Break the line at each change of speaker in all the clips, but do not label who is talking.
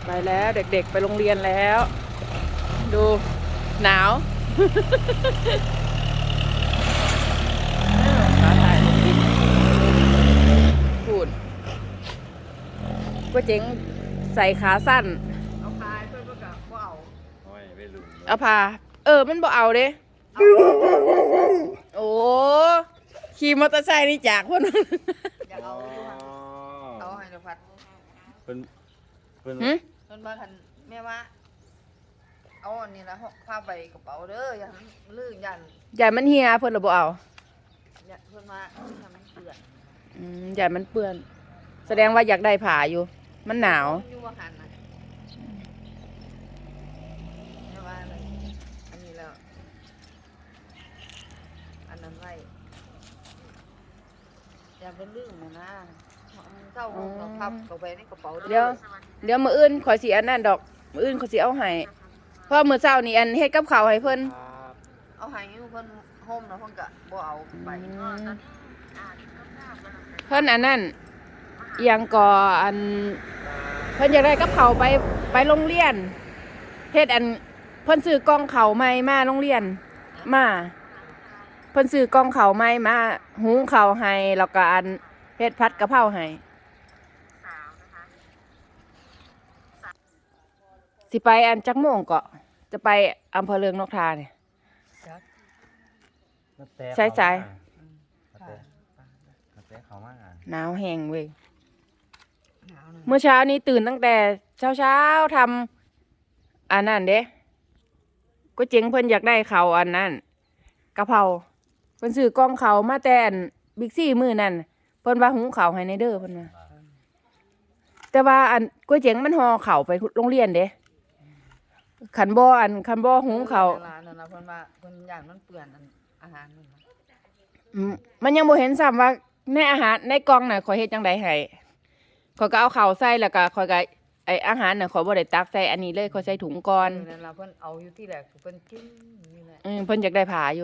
ไปแล้วเด็กๆไปโรงเรียนแล้ว ดูหนาวขาถ่ายลงดินพูดก็เจ๋งใส่ขาสั้น
เอาพายเพื่อนก็กับว่าเอา
เอาพามันบ่เอาเด้โอ้ขี่มอเตอร์ไซค์นี่จากพวกนั้น
อยากเอาเอาให้เราพัด
เป็น
เพิ่นมาคันแม่ว่าเอาอันนี้ละพาไปกระเป๋าเด้ออย่ามันลื่นยัน
อย่ามันเหียเพิ่นละบ่เอา
อย่าเพิ่นมาอย่ามันเปื้อน
อย่ามันเปื้อนแสดงว่าอยากได้ผ้าอยู่มันหนาว
อยู่ว่าหันน่ะแม่ว่าอะไรอันนี้แล้วอันนั้นไว้อย่าเป็นลื่นนะเจ้าเราพับเข้าไปในกระเป๋า
เดี๋ยวมื้ออื่นขอยสิอันนั้นดอกมื้ออื่นขอยสิเอาให้เพราะมื้อเช้านี่อันเฮ็ดกับข้าวให้เพิ่น
เอาให้อยู่เพิ่นโฮมแล้วเพิ่นก็บ่เอาไป
เพิ่นอันนั้นอีหยังก่ออันเพิ่นอยากได้กับข้าวไปโรงเรียนเฮ็ดอันเพิ่นซื้อกล่องข้าวใหม่มาโรงเรียนมาเพิ่นซื้อกล่องข้าวใหม่มาหุงข้าวให้แล้วก็อันเฮ็ดผัดกะเพราให้สิไปอันจักโมงก็จะไปอำเภอเรืองนกทาเนี่ยใช้สายหนาวแห้งเว้ยเมื่อเช้านี้ตื่นตั้งแต่เช้าทำอันนั้นเด้ก็เจ๋งเพิ่นอยากได้ข้าวอันนั้นกะเพราเพิ่นซื้อกล่องข้าวมาแต่อันบิ๊กซี่มื้อนั้นเพิ่นว่าหุงข้าวให้ในเด้อเพิ่นว่าแต่ว่าอันก๋วยเจ๋งมันห่อข้าวไปโรงเรียนเด้ขันบ่หุงข้าว
นั่นล่ะเพิ่นว่าเพิ่นย่านมันเปื้อนอาหารนั่น
มันยังบ่เห็นซ้ำว่าในอาหารในกล่องน่ะข่อยเฮ็ดจังได๋ให้ข่อยก็เอาข้าวใส่แล้วก็ข่อยก็ไอ้อาหารน่ะข่อยบ่ได้ตักใส่อันนี้เลยข่อยใส่ถุงก่อน
นั่นล่ะเพิ่นเอาอยู่ที่แรกเพิ่นกินนี่แหละ
เพิ่นอยากได้ผ้าอยู่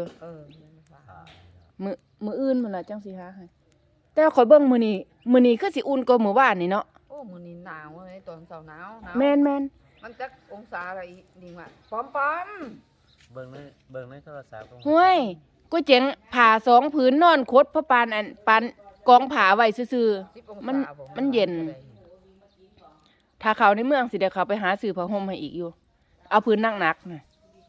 มื้ออื่นพุ่นล่ะจังสิหาให้แต่ข่อยเบิ่งมื้อนี้คือสิอุ่นกว่ามื้อวานนี่เนาะ
โอ้มื้อนี้หนาวเลยตอนเช้าหนาว
แม่น
มันจักองศาอะไรนี่ว่าปอม
เบิ่งในโทรศัพท์
ห้วยก๋วยเจ๋งผ้า2ผืนนอนคดเพราะปานกองผ้าไว้ซื่อๆมันเย็นถ้าเขาในเมืองสิเดี๋ยวเขาไปหาซื้อผ้าห่มให้อีกอยู่เอาพื้นหนักๆน่ะ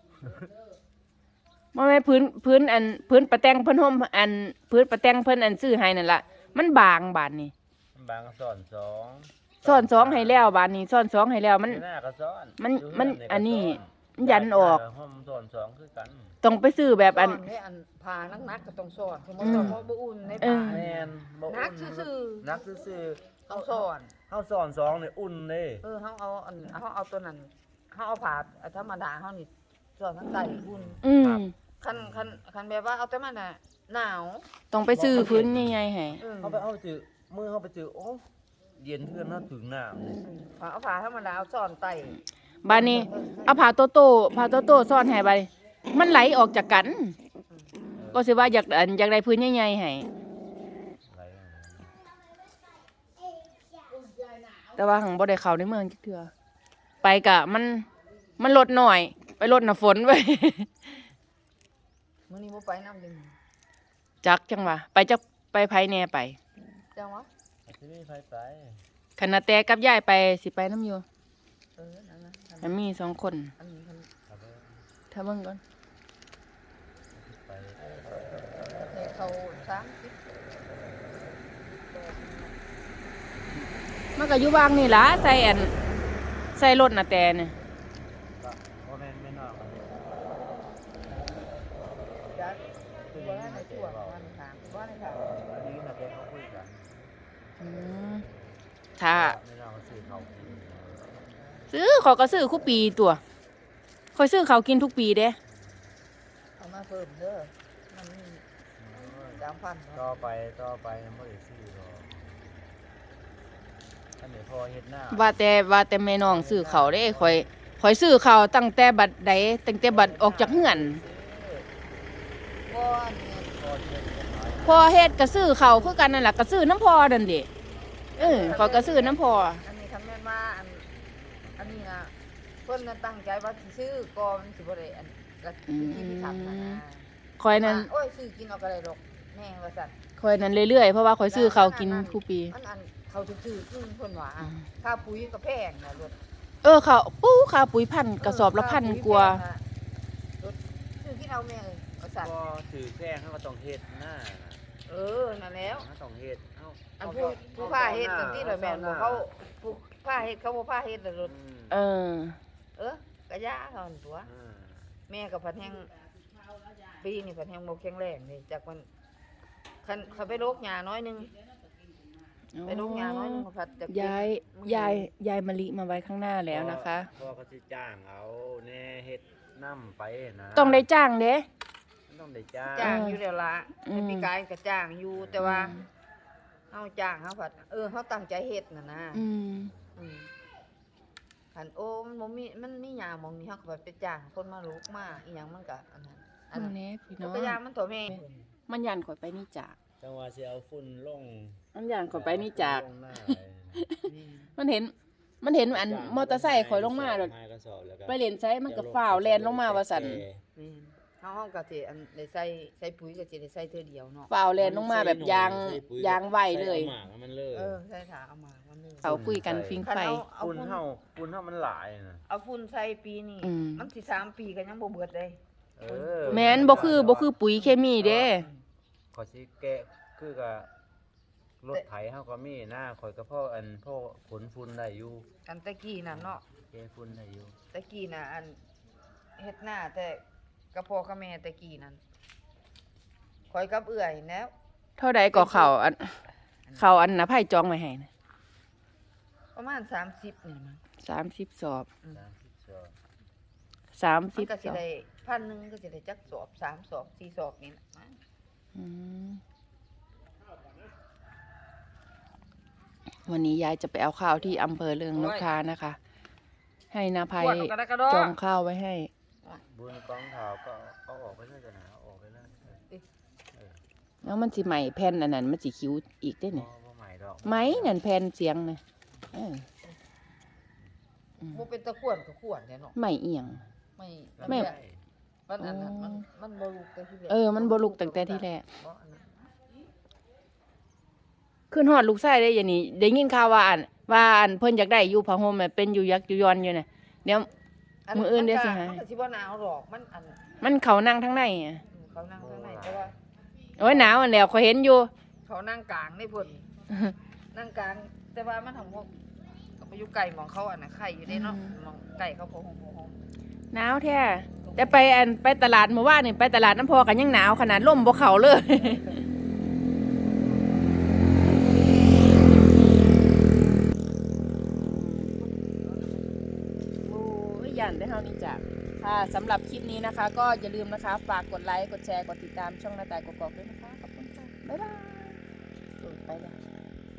บ่แม่นพื้นอันพื้นประแตงเพิ่นห่มอันพื้นประแตงเพิ่นอันซื้อให้นั่นล่ะมันบางบาดนี้
บางซ้อน
2ให้แล้วบาดนี้ซ้อน2ให้แล้วมันอันนี้มันยันออก
ห่มซ้อน2คือกัน
ต้องไปซื้อแบบอัน
ผ้านักๆก็ต้องซ้อนสมมุติว่าบ่อุ่นในผ้า
แม่นบ่อุ่นนักซื่อ
ๆต้องซ้อน
เฮาซ้อน2นี่อุ่นเด้
เฮาเอาตัวนั้นเฮาเอาผ้าธรรมดาเฮานี่ซ้อนทั้งใต้อุ่นคันแบบว่าเอาแต่มันน่ะหนาว
ต้องไปซื้อพื้นใหญ่ๆให้
เฮาไปจื้อมือเฮาไปจื้อโอ้เย็นเทื่อนเฮาถึงน้ำนี่
เอาผ้าธรรมดาเอาซ้อนใต้
บัดนี้เอาผ้าโตโต้ซ้อนให้บัดนี้มันไหลออกจากกันก็สิว่าอยากได้พื้นใหญ่ๆให้แต่ว่าหังบ่ได้เข้าในเมืองจักเทื่อไปกะมันลดหน่อยไปลดน้ำฝนไว้
มื้อนี้บ่ไปนำจัง
จักจังว่าไปไผแน่ไป
จังวะ
สิมีไผไป
คณะแต่กับยายไปสิไปนำอยู่
นั่นน่ะ
มันมี2คนถ้าเบิ่งก่อน
เขา
มันก็อยู่วางนี่ล่ะใส่รถน่ะแต่เนี่ย
บ่แม่นไม่นอก
จักบ่ได้ในทั่ววันทางบ่ได้ค่ะ
อันนี้น่ะแกเขาคุยกัน
ถ้า
ไม่นอกก็ซื้อเขา
เขาก็ซื้อคู่ปีตัวค่อยซื้อเขากินทุกปีเด้
เอามาเพิ่มเด้อมัน
3,000ต่อไปยังบ่ได้ซื้อหรอกอันนี้พอเฮ็ดหน้า
ว่าแต่แม่น้องซื้อเขาเด้ข่อยซื้อเขาตั้งแต่บัดใดตั้งแต่บัดออกจากเฮือนพอเฮ็ดก็ซื้อเขาคือกันนั่นล่ะก็ซื้อน้ำพอนั่นดิข่อยก็ซื้อน้ำพอ
อันนี้คันแม่นว่าอันนี้นะเพิ่นน่ะตั้งใจว่าสิซื้อก่อนสิบ่ได้อันก็ที่พี่ทำนะ
คอยนั้น
โอ้ยซื้อกินเอาก็ได้ดอกแม่ว่าซั่น
คอยนั้นเรื่อยๆเพราะว่าคอยซื้อข้าวกินคู่ปี
อันเขาซื้อๆเพิ่นว่าค่าปุ๋ยก็แพงนะรถ
ข้าวค่าปุ๋ยพันกระสอบละพันกว่า
รถซื้อกินเอาแม่เอ้ยว่าซั่น
ก็ถือแพงเขาก็ต้องเฮ็ดหน้า
นั่นแล้ว
เขาต้องเฮ็ดเอ้า
อันผู้ผ้าเฮ็ดจังซี่ล่ะแม่นบ่เขาผู้ผ้าเฮ็ดเขาบ่ผ้าเฮ็ดล่ะรถ ก็ย่าเท่านั้นตัว แม่ก็พันแฮงปีนี่พันแฮงบ่แข็งแรงนี่จากมันคันเขาไปโรคหญ้าน้อยนึงไปโรคหญ้าน้อยนึงพัดจาก
ยายมะลิมาไว้ข้างหน้าแล้วนะคะ
พ่อก็สิจ้างเอาแน่เฮ็ดน้ำไปนะ
ต้องได้จ้างเด้
ต้องได้จ้าง
จ้างอยู่แล้วล่ะแต่ปีกายก็จ้างอยู่แต่ว่าเฮาจ้างเฮาพัดเฮาตั้งใจเฮ็ดน่ะนะ
อืม
คันมันบ่มีมันมีหญ้าหม่องนี้เฮาก็ไปจ้างคนมาโรคมาอีหยังมันก็อันนั้น
นั่นแหละพี่น้อง
ก็ย่างมันตัวแม่
มันยันข่อยไปนี่จาก
จังว่าสิเอาฝุ่นลง
มันยันข่อยไปนี่จาก
ลงหน้า
มันเห็นอันมอเตอร์ไซค์ข่อยลงมาแล้วไปเล่นไสมันก็ฟ้าวแล่นลงมาว่าซั่น
นี่เฮาก็สิอันได้ใส่ปุ๋ยก็สิได้ใส่เทื่อเดียวเนาะ
ฟ้าวแล่นลงมาแบบยางไวเลย
ใส่อาหมากมันเลย
ใส่ถาเอามามันเลย
เขาคุยกันฟิงไฟ
เอา
ฝุ่นเฮามันหลายน่ะ
เอาฝุ่นใส่ปีนี้
อืม
มันสิ3ปีก็ยังบ่เบิดเลย
แม่นบ่คือปุ๋ยเคมีเด้
ขอยสิแกะคือกับรถไถเฮาก็มีนะข่อยก็พอขนฝุ่นได้อยู่
อันตะกี้น่ะเนาะ
แกะฝุ่นได้อยู่
ตะกี้น่ะอันเฮ็ดหน้าแต่กับพ่อกับแม่ตะกี้นั่นข่อยกับเอื้อยแล้ว
เท่าใดก็เขาอันน่ะไผจองไว้ให้นะ
ประมาณ30นี่มั้ง
30สอบ
32
มันก็
30ส
สิ
อบ
ได้1,000ก็สิได้จักสอบ3สอบ4สอบนี่นะ
อืมวันนี้ยายจะไปเอาข้าวที่อำเภอเรืองนกทานะคะ ให้นาภัย
ขวดก็ได้กระดอ
จองข้าวไว้ให้
บุญกองเท้าก็เอาออกไปเลยจะหนาเอาออกไปเลย
แล้วมันสิใหม่แผ่นอันนั้นมันสิคิ้วอีกได้
บ่
เนี่ย
บ่ใหม่ดอก
ไหมนั่นแผ่นเสียงนะ
บ่เป็นตะขวนก็ขวนแท้เนาะ
ไหมเอียง
ไม่
แม่
มันอันนั้นมันบ่ลุกแต่ที่แรก
มันบ่ลุกตั้งแต่ที่แรก
บ่อันนั้น
ขึ้นฮอดลูกชายได้อย่างนี้ได้ยินข่าวว่าอันเพิ่นอยากได้อยู่ผ้าห่มน่ะเป็นอยู่ยักอยู่ยอนอยู่น่ะเดี๋ยว มื้ออื่นเดี๋ยวสิหา
มันก็สิบ่หนาวหรอกมันอัน
มันเขานั่งทั้งในอ่ะ
เขานั่งข้างในแต่ว่า
โอ้ยหนาวอันแล้วเขาเห็นอยู่
เขานั่งกลางนี่พุ่นนั่งกลางแต่ว่ามันทั้งหมดก็ไปอยู่ไกลหมองเขาอันน่ะไข่อยู่ได้เนาะหมองไก่เขาโพหง
หนาวแท้แต่ไปตลาดเมื่อวานนี่ไปตลาดน้ำพอกันยังหนาวขนาดลมบ่เข้าเลย โอ้ยยันได้เท่านี้จ้ะค่ะสำหรับคลิปนี้นะคะ ก็อย่าลืมนะคะ ฝากกดไลค์ กดแชร์ กดติดตามช่องหน้าต่ายกอกๆด้วยนะคะ ขอบคุณค่ะ บ๊ายบายไปแล้ว